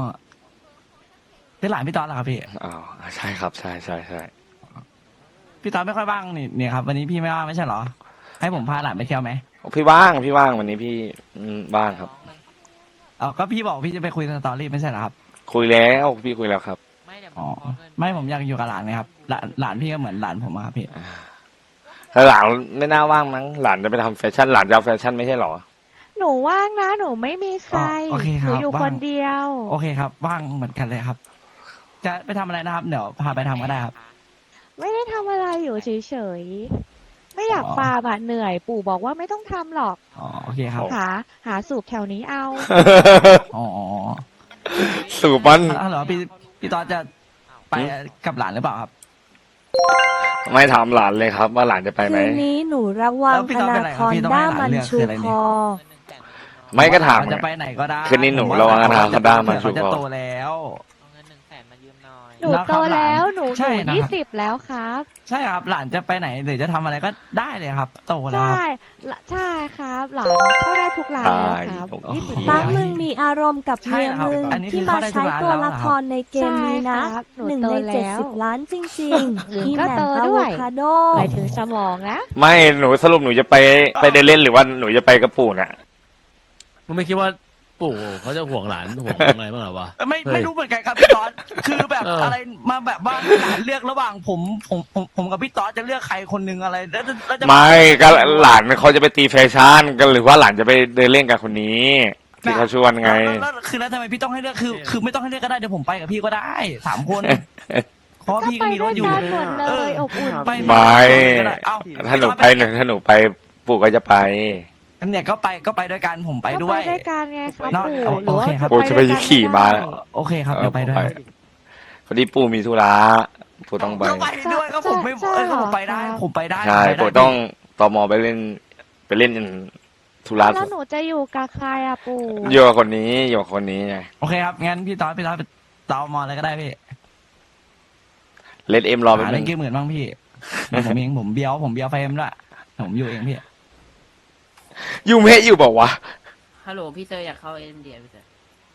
[SPEAKER 1] เป็นหลานพี่ตอดเหรอครับพี่
[SPEAKER 2] อ๋อใช่ครับใช่
[SPEAKER 1] พี่ตอดไม่ค่อยว่างนี่เนี่ยครับวันนี้พี่ไม่ว่างไม่ใช่เหรอ ให้ผมพาหลานไปเที่ยวไหม
[SPEAKER 2] พี่ว่างวันนี้พี่ว่างครับ
[SPEAKER 1] ก็พี่บอกพี่จะไปคุยสตอรี่ไม่ใช่เหรอครับ
[SPEAKER 2] คุยแล้วพี่คุยแล้วครับ
[SPEAKER 6] ไม่เดี๋ยว
[SPEAKER 1] อ๋อ
[SPEAKER 6] ขอเงิน
[SPEAKER 1] ไม่ผมอยากอยู่กับหลานนะครับหลานพี่ก็เหมือนหลานผมอะครับพี่
[SPEAKER 2] แล้วหลานไม่น่าว่างมั้งหลานจะไปทำแฟชั่นหลานจะเอาแฟชั่นไม่ใช่เหรอ
[SPEAKER 3] หนูว่างนะ หนูไม่มีใคร
[SPEAKER 1] โอเคค
[SPEAKER 3] ห
[SPEAKER 1] รับ
[SPEAKER 3] นูอยู่
[SPEAKER 1] ว่าง
[SPEAKER 3] คนเดียว
[SPEAKER 1] โอเคครับว่างเหมือนกันเลยครับ จะไปทำอะไรนะครับเดี๋ยวพาไปทำก็ได้ครับ
[SPEAKER 3] ไม่ได้ทำอะไรอยู่เฉยๆ ไม่อยาก
[SPEAKER 1] อ๋อ
[SPEAKER 3] ฟาร์มอะเหนื่อย ปู่บอกว่าไม่ต้องทำหรอก
[SPEAKER 1] อ๋อโอเคครับ
[SPEAKER 3] หาสูบแถวนี้เอา
[SPEAKER 1] อ๋อ
[SPEAKER 2] สูบมัน
[SPEAKER 1] ฮัลโหลพี่ตอดจะไปกับหลานหรือเปล่าครับ
[SPEAKER 2] ไม่ถามหลานเลยครับ ว่าหลานจะไปไหม
[SPEAKER 5] คืนนี้หนูระวัง
[SPEAKER 1] แล้วพี่
[SPEAKER 5] ธ
[SPEAKER 1] ต้อง
[SPEAKER 5] นา
[SPEAKER 1] เป็นอะไร
[SPEAKER 5] ธ
[SPEAKER 1] ครับ
[SPEAKER 5] ร
[SPEAKER 1] พี่ต้อง
[SPEAKER 5] ด้า
[SPEAKER 1] ให้หลาน
[SPEAKER 5] มัน
[SPEAKER 1] เลือก
[SPEAKER 5] ชู
[SPEAKER 1] คืออะไร
[SPEAKER 5] ค
[SPEAKER 1] เนี่ย
[SPEAKER 5] อ
[SPEAKER 2] ไม่ก็ถาม
[SPEAKER 1] จะไปไหนก็ได้
[SPEAKER 2] คืนนี้หนูระวังนะครับ
[SPEAKER 1] ผม
[SPEAKER 2] ด้ามันชู
[SPEAKER 1] เขาจะ
[SPEAKER 2] คอ
[SPEAKER 1] โตแล้ว
[SPEAKER 6] เอาเงิน100,000มายืมหน่อย
[SPEAKER 3] หนูโตแล้วหนู
[SPEAKER 1] ใช่นะครับ
[SPEAKER 3] 20แล้วครับ
[SPEAKER 1] ใช่ครับ หลานจะไปไหนหรือจะทำอะไรก็ได้เลยครับ โตแล้วครับ
[SPEAKER 3] ใช่ครับ หลานเข้าได้ทุกร้านแล้วครับ
[SPEAKER 2] โอ้โห
[SPEAKER 3] 20
[SPEAKER 5] ปัก
[SPEAKER 3] แล้ว
[SPEAKER 5] มึงมีอารมณ์กับ
[SPEAKER 1] ใช่
[SPEAKER 5] เมีย
[SPEAKER 1] เหรอครับ
[SPEAKER 5] มึง
[SPEAKER 1] อันนี้คื
[SPEAKER 5] ที่
[SPEAKER 1] อ
[SPEAKER 5] มา
[SPEAKER 1] เข้าได้ทุ
[SPEAKER 5] ใช้
[SPEAKER 1] กร้าน
[SPEAKER 5] ตัว
[SPEAKER 1] แล้วเหรอ
[SPEAKER 5] ละค
[SPEAKER 1] ครับ
[SPEAKER 5] รในเกมนี้นะ
[SPEAKER 3] ใช่ครับหนู
[SPEAKER 5] 1
[SPEAKER 3] โต
[SPEAKER 5] ใน
[SPEAKER 3] แล้ว
[SPEAKER 5] 70 ล้านจริงๆอีแห
[SPEAKER 3] ก็
[SPEAKER 5] ม่
[SPEAKER 3] โต
[SPEAKER 5] มอะ
[SPEAKER 3] ด้
[SPEAKER 5] โว
[SPEAKER 3] วย
[SPEAKER 5] คาโด
[SPEAKER 3] หมายถึงสมองนะ
[SPEAKER 2] ไม่หนูสรุปหนูจะไปเดินเล่นหรือว่าหนูจะไปกระปู่น่ะ
[SPEAKER 4] มึงไม่คิดว่าปู่เขาจะห่วงหลานห่วงอะไรบ้างเหรอวะ
[SPEAKER 1] ไม่
[SPEAKER 4] เฮ้ย
[SPEAKER 1] ไม่รู้เหมือนกันครับพี่ตอดคือแบบ
[SPEAKER 4] เอออ
[SPEAKER 1] อะไรมาแบบว่าหลานเลือกระหว่างผมกับพี่ตอดจะเลือกใครคนหนึ่งอะไรแล้วจะ
[SPEAKER 2] ไม่ก็หลานเขาจะไปตีแฟชั่นกันหรือว่าหลานจะไปเดินเล่นกับคนนี้ที่เขาชวนไง
[SPEAKER 1] แล้วคือแล้วทำไมพี่ต้องให้เลือกคือไม่ต้องให้เลือกก็ได้เดี๋ยวผมไปกับพี่ก็ได้3 คนเพราะว่า
[SPEAKER 3] ก็
[SPEAKER 1] พี่
[SPEAKER 3] ไป
[SPEAKER 1] ก็มีร
[SPEAKER 3] ด้ว
[SPEAKER 1] ถ
[SPEAKER 3] ย
[SPEAKER 1] อยู่
[SPEAKER 3] กันหมดเลยอบอุ่น
[SPEAKER 1] ไม่
[SPEAKER 2] ไม่
[SPEAKER 1] เอ้า
[SPEAKER 2] ถ้าหนูไปปู่ก็จะไป
[SPEAKER 1] เนี่ยก็ไปด้วยกันผมไป
[SPEAKER 3] ก็
[SPEAKER 1] ด้
[SPEAKER 3] ไป
[SPEAKER 1] วย
[SPEAKER 3] ด้วยกันไงครับ
[SPEAKER 1] เนอะ
[SPEAKER 3] ปู่หรือว่า
[SPEAKER 1] โอเคครับ
[SPEAKER 2] ปู่จะไปขี่ม้า
[SPEAKER 1] โอเคครับเดี๋ยวไปด้วย
[SPEAKER 2] พอดีปู่มีธุระปู่ต้องไป
[SPEAKER 1] ก็ไปด้วยก็ผมไม่ก็ผมไปได้ผมไปได้
[SPEAKER 2] ใช่
[SPEAKER 1] ผมไปได้
[SPEAKER 2] ปู่ต้องตมไปเล่นธุระ
[SPEAKER 3] แล้วหนูจะอยู่กับใครอะปู่
[SPEAKER 2] อยู่กับคนนี้ไง
[SPEAKER 1] โอเคครับงั้นพี่ตอดไปตอมอเลยก็ได้พี่
[SPEAKER 2] เล่นเอ็มรอไป
[SPEAKER 1] หา
[SPEAKER 2] บ
[SPEAKER 1] เล่
[SPEAKER 2] นึ
[SPEAKER 1] น
[SPEAKER 2] ง
[SPEAKER 1] เกมเหมือนบ้างพี่ผมเองผมเบี้ยวไฟเอ็มด้วยผมอยู่เองพี่
[SPEAKER 2] ยูเมะอยู่บอกว่าวะ
[SPEAKER 7] ฮัลโหลพี่เตอร์อยากเข้าเอ็มเดียพี่เตอร์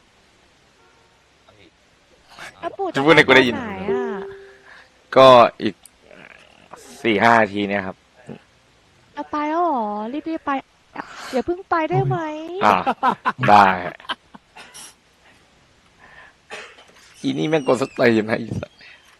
[SPEAKER 3] แล้วปู่
[SPEAKER 2] จะพูดให้กูได้ยิน
[SPEAKER 3] ปหอะ
[SPEAKER 2] ก็อีก4-5 นาทีเนี่ยครับ
[SPEAKER 3] เอาไปแล้วเหรอรีบไปอย่าเพิ่งไปได้ไหม
[SPEAKER 2] อ่าได้อีนี่แม่งกดสเตย์นะอีสัส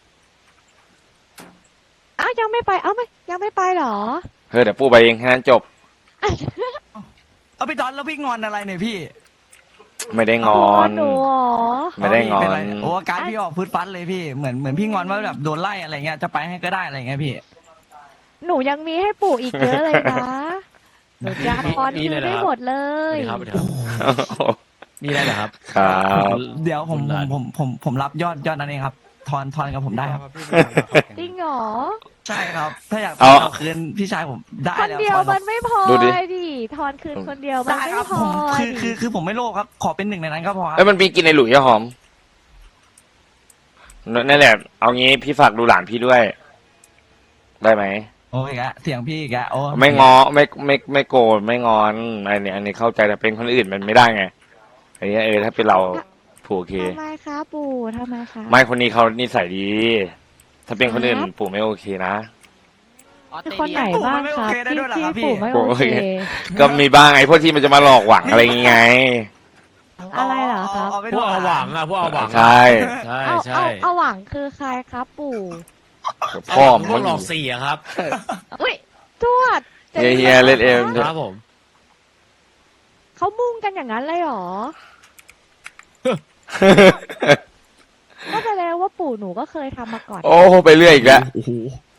[SPEAKER 3] อ้าวยังไม่ไปไม่ยังไม่ไปเหรอ
[SPEAKER 2] เฮ้ยเดี๋ยวปู่ไปเองแค่นั้นจบ
[SPEAKER 1] เอาพี่ตอนแล้วพี่งอนอะไรเนี่ยพี่
[SPEAKER 2] ไม่ได้งอน
[SPEAKER 3] หนูเหรอ
[SPEAKER 2] ไม่ได้งอ
[SPEAKER 1] เป็น
[SPEAKER 2] น
[SPEAKER 1] ไรโอ้อาการพี่ออกฟืดฟัดเลยพี่เหมือนพี่งอนว่าแบบโดนไล่อะไรเงี้ยจะไปให้ก็ได้อะไรเงี้ยพี่
[SPEAKER 3] หนูยังมีให้ปู่อีกเยอะเลยนะหนูจะพร
[SPEAKER 4] มี
[SPEAKER 3] คื
[SPEAKER 4] เลย
[SPEAKER 3] น
[SPEAKER 4] เหรอ
[SPEAKER 3] ได้
[SPEAKER 4] ครับ
[SPEAKER 3] หมดเล
[SPEAKER 4] สวัส
[SPEAKER 3] ย
[SPEAKER 4] ดีครับสวัสดีครับมีอะไรเหรอครับ
[SPEAKER 2] ครับ
[SPEAKER 1] เดี๋ยวผมรับยอดนั้นเองครับทอนกับผมได้ครับ
[SPEAKER 3] จริงเหรอ
[SPEAKER 1] ใช่ครับ ถ้าอยาก
[SPEAKER 2] เอา
[SPEAKER 1] เอาคืนพี่ชายผมได้
[SPEAKER 3] คน
[SPEAKER 1] แล้ว
[SPEAKER 3] เดียว
[SPEAKER 1] ทอน
[SPEAKER 3] มันไม่พอ
[SPEAKER 2] ดูดิ
[SPEAKER 3] เลยดิทอนคืนคนเดียวมัน
[SPEAKER 1] ได้
[SPEAKER 3] ไม่
[SPEAKER 1] ครับ
[SPEAKER 3] พ
[SPEAKER 1] ผ
[SPEAKER 3] อ
[SPEAKER 1] ม
[SPEAKER 3] ดิ
[SPEAKER 1] คือผมไม่โลภครับ ขอเป็นหนึ่งในนั้นก็พอค
[SPEAKER 2] เอ้
[SPEAKER 1] รั
[SPEAKER 2] ยมันมีกินในหลุยส์อะหอมนั่นแหละ เอางี้พี่ฝากดูหลานพี่ด้วย ได้ไหม
[SPEAKER 1] โอ้ยแกเสียงพี่แกโอ้
[SPEAKER 2] ไม่งอไม่โกรธไม่งอนอันนี้เข้าใจแต่เป็นคนอื่นมันไม่ได้ไงอันนี้ถ้าเป็นเราผูกโอเค
[SPEAKER 3] ทำไมคะปู่ทำไมคะ
[SPEAKER 2] ไม่คนนี้เขานิสัยดี ถ้าเป็นคนอื่น
[SPEAKER 3] ครับ
[SPEAKER 2] ปู่ไม่โอเคนะ
[SPEAKER 6] ออส
[SPEAKER 3] มี
[SPEAKER 6] เตร
[SPEAKER 3] คน
[SPEAKER 6] เลี
[SPEAKER 3] ไหน
[SPEAKER 6] ย
[SPEAKER 3] บ้างครับที่ปู่ไม่โอเค
[SPEAKER 2] ก็มีบ้างไอ้พวกที่มันจะมาหลอกหวังอะไรอย่างไง
[SPEAKER 3] อะไรเหรอครับ
[SPEAKER 1] ไป
[SPEAKER 4] พวกเอาหวังอะพวกเอาหวังอะ
[SPEAKER 2] ใช่
[SPEAKER 4] ใช่
[SPEAKER 3] เอา
[SPEAKER 4] ใช่
[SPEAKER 3] เอาหวังคือใครครับปู่
[SPEAKER 2] พ่อ
[SPEAKER 4] พ
[SPEAKER 2] มั
[SPEAKER 4] วน กหลอกเสียครับ
[SPEAKER 3] อุ้ยทวด
[SPEAKER 2] เฮียเล่นเอ็ม
[SPEAKER 4] ครับผม
[SPEAKER 3] เขามุ่งกันอย่างนั้นเลยเหรอ ก็แสดงว่าปู่หนูก็เคยทำมาก่อน
[SPEAKER 2] โอ้ไปเรื่อยอีกแล้ว
[SPEAKER 1] โอ้โห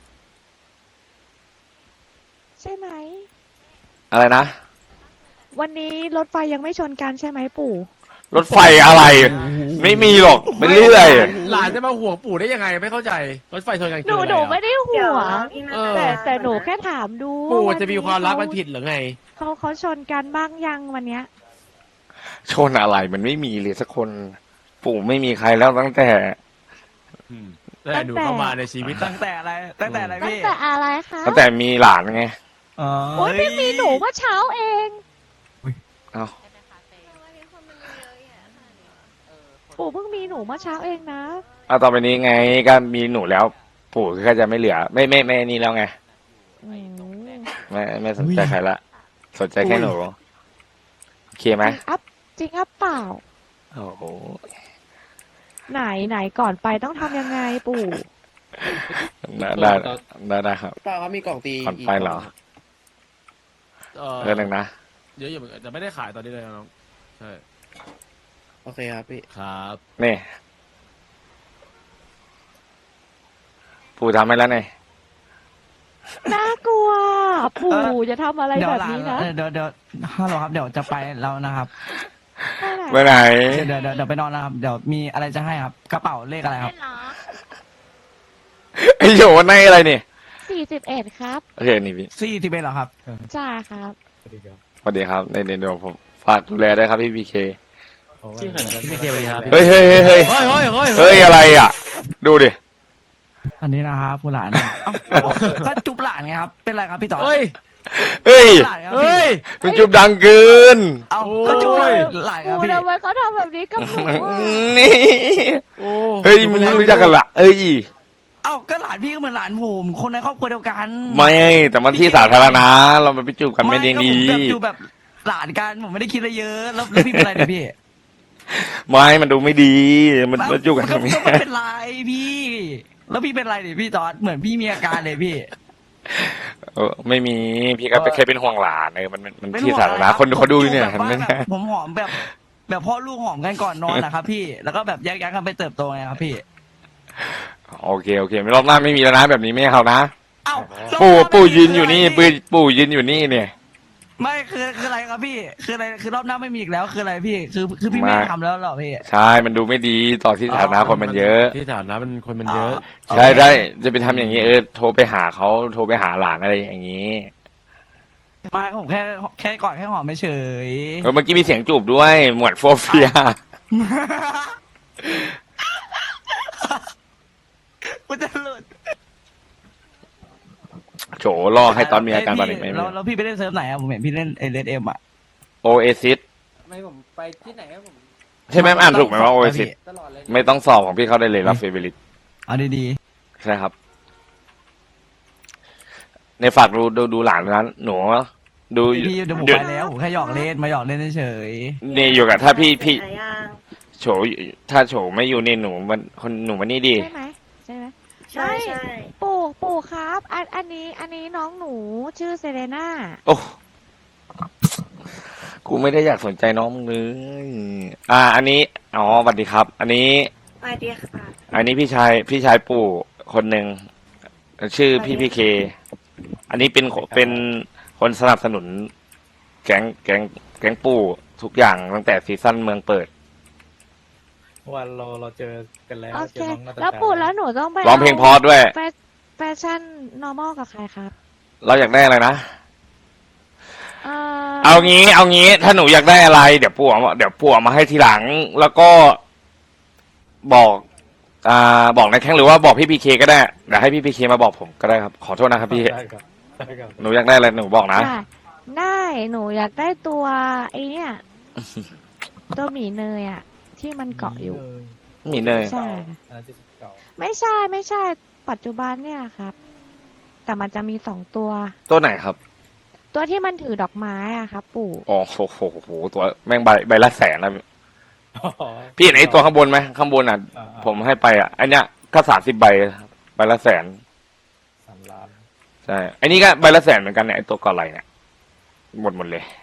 [SPEAKER 3] ใช่ไหม
[SPEAKER 2] อะไรนะ
[SPEAKER 3] วันนี้รถไฟยังไม่ชนกันใช่ไหมปู่
[SPEAKER 2] รถไฟอะไร ไม่มีหรอกไปเรื่อย
[SPEAKER 4] หลานจะมาห่วงปู่ได้ยังไงไม่เข้าใจรถไฟชนกัน
[SPEAKER 3] ห
[SPEAKER 4] คือ
[SPEAKER 3] นู
[SPEAKER 4] อะไร
[SPEAKER 3] หนู
[SPEAKER 4] อะ
[SPEAKER 3] ไม่ได้ห่วง
[SPEAKER 4] เออ
[SPEAKER 3] แต่หนูแค่ถามดู
[SPEAKER 4] ปู่
[SPEAKER 3] ว่า
[SPEAKER 4] จะมีความรักมันผิดหรือไง
[SPEAKER 3] เขาชนกันบ้างยังวันเนี้ย
[SPEAKER 2] ชนอะไรมันไม่มีเลยสักคน ปู่ไม่มีใครแล้วตั้งแต่
[SPEAKER 4] แต่หนูเข้ามาในชีวิต
[SPEAKER 1] ตั้งแต่อะไรตั้งแต่อะไร
[SPEAKER 3] ตั้ง
[SPEAKER 1] พี่
[SPEAKER 3] แต่อะไรคะ
[SPEAKER 2] ตั้งแต่มีหลานไง
[SPEAKER 1] อ๋อ
[SPEAKER 3] โอ้ยเพิ่งมีหนูเมื่อเช้าเอง
[SPEAKER 2] เอ้า
[SPEAKER 3] ปู่เพิ่งมีหนูเมื่อเช้าเองนะ
[SPEAKER 2] เอาต่อไปนี้ไงก็มีหนูแล้ว ปู่ก็จะไม่เหลือ ไม่นี่แล้วไง
[SPEAKER 3] อืม
[SPEAKER 2] ไม่สนใจใครละสนใจแค่หนูโอเคไหม
[SPEAKER 3] จริงอัพเปล่า
[SPEAKER 2] โอ้โห
[SPEAKER 3] ไหนก่อนไปต้องทำยังไงปู่
[SPEAKER 2] ได้ครับ
[SPEAKER 9] เปล่าเขามีกล่องตี
[SPEAKER 2] ก่อนไปเหรอเรื่องหนึ่งนะ
[SPEAKER 4] เดี๋ยวอยู่จะไม่ได้ขายตอนนี้เลยนะน้องใช่
[SPEAKER 9] โอเคครับพี่
[SPEAKER 4] ครับ
[SPEAKER 2] นี่ปู่ทำให้แล้วไง
[SPEAKER 3] น่ากลัว ปู่จะทำอะไร
[SPEAKER 1] เดี๋ย
[SPEAKER 3] แบ
[SPEAKER 1] ว
[SPEAKER 3] บ
[SPEAKER 1] หลาน
[SPEAKER 3] นี้นะ
[SPEAKER 1] เดี๋ยวฮัลโหลครับเดี๋ยวจะไปแล้วนะครับ
[SPEAKER 2] ไปไหน
[SPEAKER 1] เดี๋ยวไปนอนนะครับเดี๋ยวมีอะไรจะให้ครับ กระเป๋าเลขอะไรครับ
[SPEAKER 2] ไอโยนในอะไรนี่
[SPEAKER 3] 41ครับ
[SPEAKER 2] โอเคนี่พี่
[SPEAKER 1] 41เหรอครับ
[SPEAKER 3] จ้าครับ
[SPEAKER 2] สวัสดีครับในเดี๋ยวผมฝากดูแลด้วยครับพี่พีเค
[SPEAKER 4] พี่เคสวัสดีครับ
[SPEAKER 2] เฮ้ย
[SPEAKER 4] เฮ้ยเฮ้ย
[SPEAKER 2] อะไรอ่ะ ดูดิ
[SPEAKER 1] อันนี้นะครับผู้หลานเอ้าก็จุ๊บหลานไงครับ เป็นไรครับพี่ต่อ
[SPEAKER 4] เฮ้ย
[SPEAKER 2] เฮ้ย
[SPEAKER 1] หลานครับ
[SPEAKER 4] เฮ้ย
[SPEAKER 2] มันจุบดังเกิน
[SPEAKER 1] เอ้าก็จุ๊บหลานครับ
[SPEAKER 3] ปู่
[SPEAKER 1] พี่
[SPEAKER 3] ทำไมเขาทำแบบนี้กับหนูอะ
[SPEAKER 2] นี่
[SPEAKER 4] โอ้
[SPEAKER 2] เฮ้ยมึงรู้จักกันละเอ้ย
[SPEAKER 1] เอ้าก็หลานพี่ก็เหมือนหลานผมคนในครอบครัวเดียวกัน
[SPEAKER 2] ไม่แต่มันที่สาธารณะเราไปจูบกันไม่ได้ดี
[SPEAKER 1] ก็ผมแบบจูบแบบหลานกันผมไม่ได้คิดอะไรเยอะแล้วพี่เป็นไรเนี่ยพี่
[SPEAKER 2] ไม่มันดูไม่ดี มันจูบกันตรงนี้
[SPEAKER 1] ก็ไม่เป็นไรพี่ แล้วพี่เป็นไรเนี่ยพี่ตอนเหมือนพี่มีอาการเลยพี่
[SPEAKER 2] ไม่มีพี่ก็แค่เป็นห่วงหลานมัน
[SPEAKER 1] เป็น
[SPEAKER 2] ที่
[SPEAKER 1] ห่วง
[SPEAKER 2] สาธารณะ
[SPEAKER 1] อะไรรับ
[SPEAKER 2] คนเขาดูอยู่เนี่ย
[SPEAKER 1] แบบ
[SPEAKER 2] เห็นไหม
[SPEAKER 1] ว่าแบบผมหอมแบบพ่อลูกหอมกันก่อนนอนนะครับพี่แล้วก็แบบแยกย้ายกันไปเติบโตไงครับพี่
[SPEAKER 2] โอเคไม่รอบหน้าไม่มีแล้วนะแบบนี้ไม่เอานะ
[SPEAKER 1] เอ้า
[SPEAKER 2] ปู่ยืนอยู่นี่ปู่ยืนอยู่นี่เนี่ย
[SPEAKER 1] ไม่คืออะไรครับพี่คืออะไรคือรอบหน้าไม่มีอีกแล้วคืออะไรพี่คือพี่ไม่ทำแล้วหรอพี่
[SPEAKER 2] ใช่มันดูไม่ดีต่อที่สาธารณะคนมันเยอะ
[SPEAKER 4] ที่ฐานะมันคนมันเยอะ
[SPEAKER 2] ใช่ได้จะไปทำอย่างนี้โทรไปหาเขาโทรไปหาหลานอะไรอย่างนี้
[SPEAKER 1] ไม่ผมแค่ก่อนแค่หอมไม่เฉย
[SPEAKER 2] เมื่อกี้มีเสียงจูบด้วยหมวดโฟเฟีย
[SPEAKER 1] กูจะหลุด
[SPEAKER 2] โฉล่อให้ตอนมีอาการตอนนี้ไม่
[SPEAKER 1] แล้วพี่ไปเล่นเซิร์ฟไหนอะผมเห็นพี่เล่นเลดเอ็มอะ
[SPEAKER 2] โอเอซิส
[SPEAKER 7] ไม่ผมไปที่ไหนครับผม
[SPEAKER 2] ใช่ไหมอ่านถูกไหมว่าโอเอซิส
[SPEAKER 7] ตลอดเลย
[SPEAKER 2] ไม่ต้องสอบของพี่เขาได้เลยรับเฟเวอริต
[SPEAKER 1] เอาดี
[SPEAKER 2] ใช่ครับ ในฝากดูหลานนั้นหนูดู
[SPEAKER 1] ๆพี่เดี๋ยวผมไปแล้วผมแค่หยอกเล่นมาหยอกเล่นเฉย
[SPEAKER 2] นี่อยู่กับถ้าพี่โฉถ้าโฉไม่อยู่นี่หนูมันคนหนูมันนี่ดี
[SPEAKER 3] ใช่ไหมใช่ไหมใช่ปู่ครับ อันนี้น้องหนูชื่อเซเลน่า
[SPEAKER 2] โอ้กูไม่ได้อยากสนใจน้องมึงเลยอันนี้อ๋อสวัสดีครับ อันนี้
[SPEAKER 5] สวัสดีค่ะ
[SPEAKER 2] อันนี้พี่ชายปู่คนหนึ่งชื่อพี่เค อันนี้เป็นคนสนับสนุน แก๊งปู่ทุกอย่างตั้งแต่ซีซั่นเมืองเปิด
[SPEAKER 8] วันเราเจอกันแล้ว
[SPEAKER 3] โอ
[SPEAKER 8] เจ
[SPEAKER 3] เค
[SPEAKER 8] อน้องนาตา
[SPEAKER 3] แล้วปู่แล้วหนูต้องไป
[SPEAKER 2] ร้องเพลงเพอด้วย
[SPEAKER 3] แฟชั่น normal กับใครครับ
[SPEAKER 2] เราอยากได้อะไรนะ
[SPEAKER 3] เอ่อ
[SPEAKER 2] เอางี้ ถ้าหนูอยากได้อะไร เดี๋ยวปู่เอามาให้ทีหลัง แล้วก็บอกบอกในแข้งหรือว่าบอกพี่พีเคก็ได้เดี๋ยวให้พี่พีเคมาบอกผมก็ได้ครับขอโทษนะครับพี่
[SPEAKER 8] ได้ครับได้ครับ
[SPEAKER 2] หนูอยากได้อะไรหนูบอกนะ
[SPEAKER 3] ได้หนูอยากได้ตัวไอเนี่ย ตัวหมีเนยอ่ะ ที่มันเกาะอยู่
[SPEAKER 2] มีเนย
[SPEAKER 3] ใช่
[SPEAKER 8] อันนั้นที่สิบเก่า
[SPEAKER 3] ไม่ใช่ ปัจจุบันเนี่ยครับ แต่มันจะมี2 ตัว
[SPEAKER 2] ตัวไหนครับ
[SPEAKER 3] ตัวที่มันถือดอกไม้อ่ะครับ ปู่
[SPEAKER 2] อ๋อโหตัวแม่งใบละแสนนะ
[SPEAKER 8] อ๋อ
[SPEAKER 2] พี่เห็นไอ้ตัวข้างบนไหมข้างบนอ่ะ ผมให้ไปอ่ะอันเนี้ยก็30 ใบใบละแสน
[SPEAKER 8] 3 ล้าน
[SPEAKER 2] ใช่ไอ้นี่ก็ใบละแสนเหมือนกันเนี่ยไอ้ตัวก่อนไหลเนี่ยหมดเลย